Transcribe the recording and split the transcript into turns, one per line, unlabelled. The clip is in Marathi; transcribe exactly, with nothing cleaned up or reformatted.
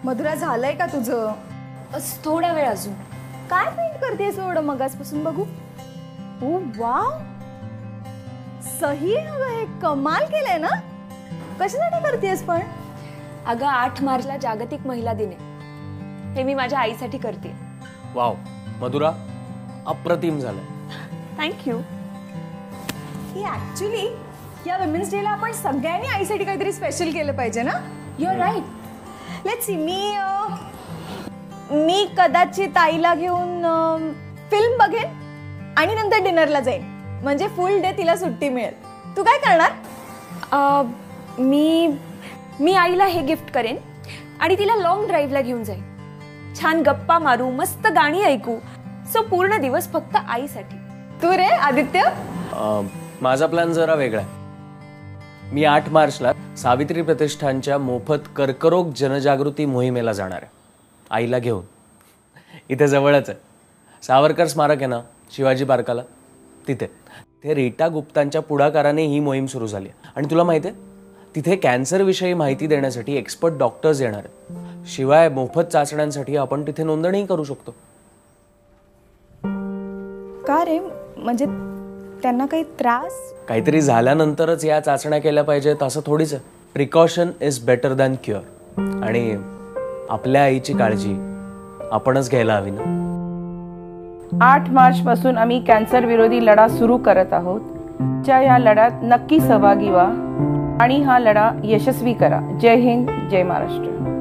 मधुरा झालंय का तुझं?
थोडा वेळ अजून.
काय पेंट करतेस एवढं मगासपासून बघू? ओ वाव, सही आहे हे, कमाल केलंय ना. कशासाठी करतेस पण?
अगं आठ मार्चला जागतिक महिला दिन आहे, हे मी माझ्या आईसाठी करते.
वाव मधुरा, अप्रतिम झालं.
थँक्यू.
ही ऍक्च्युली या विमेन्स डेला आपण सगळ्यांनी आईसाठी काहीतरी स्पेशल केलं पाहिजे ना.
You are right.
Let's see. मी मी कदाचित आईला घेऊन फिल्म बघेन आणि नंतर डिनरला जाईन, म्हणजे फुल डे तिला सुट्टी मिळेल. तू काय करणार?
मी मी आईला हे गिफ्ट करेन आणि तिला लॉंग ड्राईव्हला घेऊन जाईन. छान गप्पा मारू, मस्त गाणी ऐकू. सो पूर्ण दिवस फक्त आईसाठी.
तू रे आदित्य?
माझा प्लॅन जरा वेगळा आहे. मी आठ मार्चला सावित्री प्रतिष्ठानच्या मोफत कर्करोग जनजागृती मोहिमेला जाणार आहे आईला घेऊन. इथे जवळच आहे, सावरकर स्मारक आहे ना शिवाजी पार्काला, तिथे ते रीटा गुप्तांच्या पुढाकाराने ही मोहीम सुरू झाली. आणि तुला माहिती आहे, तिथे कॅन्सरविषयी माहिती देण्यासाठी एक्सपर्ट डॉक्टर्स येणार आहेत. शिवाय मोफत चाचण्यांसाठी आपण तिथे नोंदणी करू शकतो.
का रे, म्हणजे त्यांना काही त्रास?
काहीतरी झाल्यानंतरच या चाचण्या केल्या पाहिजेत असं थोडीच आहे. Precaution is better than cure. आणि आपल्या आईची काळजी आपणच घ्यायला हवी ना.
आठ मार्च पासून आम्ही कॅन्सर विरोधी लढा सुरू करत आहोत. च्या या लढ्यात नक्की सहभागी व्हा आणि हा लढा यशस्वी करा. जय हिंद, जय महाराष्ट्र.